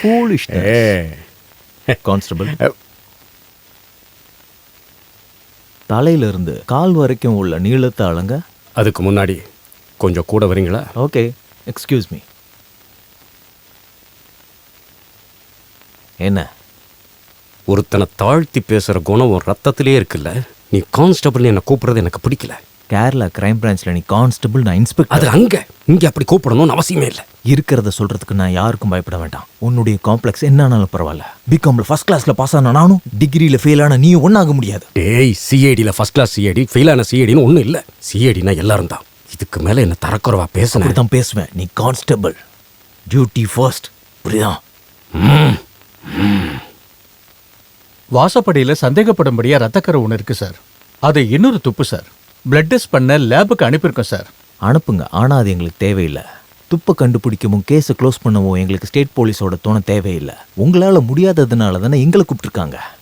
foolishness. Constable, தலையிலிருந்து கால் வரைக்கும் உள்ள நீளத்தை அளங்க. அதுக்கு முன்னாடி கொஞ்சம் கூட வரீங்களா? Okay, excuse me. என்ன? ஒருத்தனை தாழ்த்தி பேசுற குணம் ஒரு ரத்தத்திலே இருக்குல்ல. நீ கான்ஸ்டபிள் என்ன கூப்பிடுறது எனக்கு பிடிக்கல. கேரளா கிரைம் பிரான்ச்ல நீ கான்ஸ்டபிள், நான் இன்ஸ்பெக்டர். அது இங்க அப்படி கூப்பிடணும்னு அவசியமே இல்லை. இருக்கிறத சொல்றதுக்கு நான் யாருக்கும் பயப்பட வேண்டாம். உன்னுடைய காம்ப்ளெக்ஸ் என்னன்னாலும் பரவாயில்ல. பிகாம்ல ஃபர்ஸ்ட் கிளாஸ்ல பாஸ் ஆன நானும், டிகிரியில ஃபெயில் ஆன நீ ஒன்னாக முடியாது. டேய், சிஐடியில ஃபர்ஸ்ட் கிளாஸ் சிஐடி, ஃபெயில் ஆன சிஐடின்னு ஒன்றும் இல்லை. சிஐடினா எல்லாரும் தான். இதுக்கு மேல என்ன தரக்குறவா பேசணும் தான் பேசுவேன். நீ கான்ஸ்டபிள், டியூட்டி ஃபர்ஸ்ட், புரியுதா? வாசப்படியில சந்தேகப்படும்படியா ரத்தக்கரை ஒன்று இருக்கு சார். அது இன்னொரு துப்பு சார். பிளட் டெஸ்ட் பண்ண லேபுக்கு அனுப்பியிருக்கோம் சார். அனுப்புங்க, ஆனால் அது எங்களுக்கு தேவையில்லை. துப்பை கண்டுபிடிக்கவும் கேஸை க்ளோஸ் பண்ணவும் எங்களுக்கு ஸ்டேட் போலீஸோட துணை தேவையில்லை. உங்களால் முடியாததுனால தானே எங்களை கூப்பிட்டுருக்காங்க.